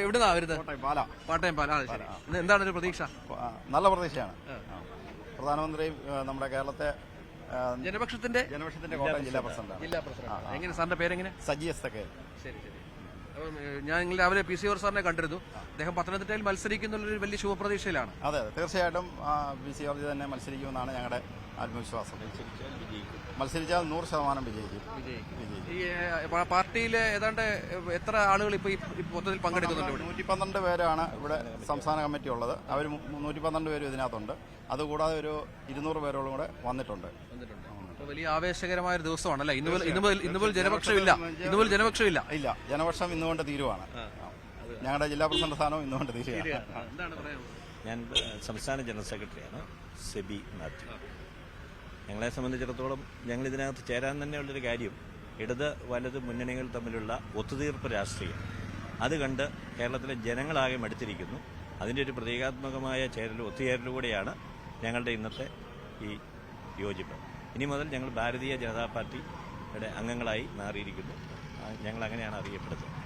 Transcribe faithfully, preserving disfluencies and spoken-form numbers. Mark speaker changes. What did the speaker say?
Speaker 1: എവിടുന്നാ വരുന്നത്?
Speaker 2: പാല.
Speaker 1: പാട്ടയം പാല. ശരി. എന്താണ് ഒരു പ്രതീക്ഷ?
Speaker 2: നല്ല പ്രതീക്ഷയാണ്. പ്രധാനമന്ത്രിയും നമ്മുടെ കേരളത്തെ
Speaker 1: ജനപക്ഷത്തിന്റെ
Speaker 2: ജനപക്ഷത്തിന്റെ കോട്ടയം ജില്ലാ പ്രസിഡന്റ്.
Speaker 1: ജില്ലാ പ്രസിഡന്റ്. എങ്ങനെ സാറിന്റെ പേരെങ്ങനെ?
Speaker 2: സജി എസ് തക്കെ.
Speaker 1: ശരി ശരി. ഞാൻ നിങ്ങൾ രാവിലെ പി സി ഓർ സാറിനെ കണ്ടിരുന്നു. അദ്ദേഹം പത്തനംതിട്ടയിൽ മത്സരിക്കുന്നുള്ളൊരു വലിയ ശുഭപ്രതീക്ഷയിലാണ്.
Speaker 2: അതെ അതെ തീർച്ചയായിട്ടും പി സി ഓർ തന്നെ മത്സരിക്കുമെന്നാണ് ഞങ്ങളുടെ ആത്മവിശ്വാസം. മത്സരിച്ചാൽ നൂറ് ശതമാനം വിജയിക്കും.
Speaker 1: ഈ പാർട്ടിയിലെ ഏതാണ്ട് എത്ര ആളുകൾ ഇപ്പൊ മൊത്തത്തിൽ പങ്കെടുക്കുന്നുണ്ട്?
Speaker 2: നൂറ്റി പന്ത്രണ്ട് പേരാണ് ഇവിടെ സംസ്ഥാന കമ്മിറ്റി ഉള്ളത്. അവർ നൂറ്റി പന്ത്രണ്ട് പേരും ഇതിനകത്തുണ്ട്. അതുകൂടാതെ ഒരു ഇരുന്നൂറ് പേരോളം കൂടെ വന്നിട്ടുണ്ട്.
Speaker 1: വലിയ ആവേശകരമായ ഒരു ദിവസമാണല്ലേ ഇന്ന് ഇന്നുമുതൽ ഇന്നുമുതൽ ജനപക്ഷമില്ല ഇന്നുമുതൽ ജനപക്ഷമില്ല
Speaker 2: ഇല്ല ജനപക്ഷം ഇന്നുകൊണ്ട് തീരുവാണ്. ഞങ്ങളുടെ ജില്ലാ പ്രസിഡന്റ് സ്ഥാനവും ഇന്നുകൊണ്ട് തീരുകയാണ്.
Speaker 3: ഞാൻ സംസ്ഥാന ജനറൽ സെക്രട്ടറിയാണ്, സെബി മാത്യു. ഞങ്ങളെ സംബന്ധിച്ചിടത്തോളം ഞങ്ങൾ ഇതിനകത്ത് ചേരാൻ തന്നെയുള്ളൊരു കാര്യം ഇടത് വലത് മുന്നണികൾ തമ്മിലുള്ള ഒത്തുതീർപ്പ് രാഷ്ട്രീയം അത് കണ്ട് കേരളത്തിലെ ജനങ്ങളാകെ മടുത്തിരിക്കുന്നു. അതിൻ്റെ ഒരു പ്രതീകാത്മകമായ ചേരലും ഒത്തുചേരലുകൂടെയാണ് ഞങ്ങളുടെ ഇന്നത്തെ ഈ യോജിപ്പ്. ഇനി മുതൽ ഞങ്ങൾ ഭാരതീയ ജനതാ പാർട്ടിയുടെ അംഗങ്ങളായി മാറിയിരിക്കുന്നു. ഞങ്ങൾ അങ്ങനെയാണ് അറിയപ്പെടുന്നത്.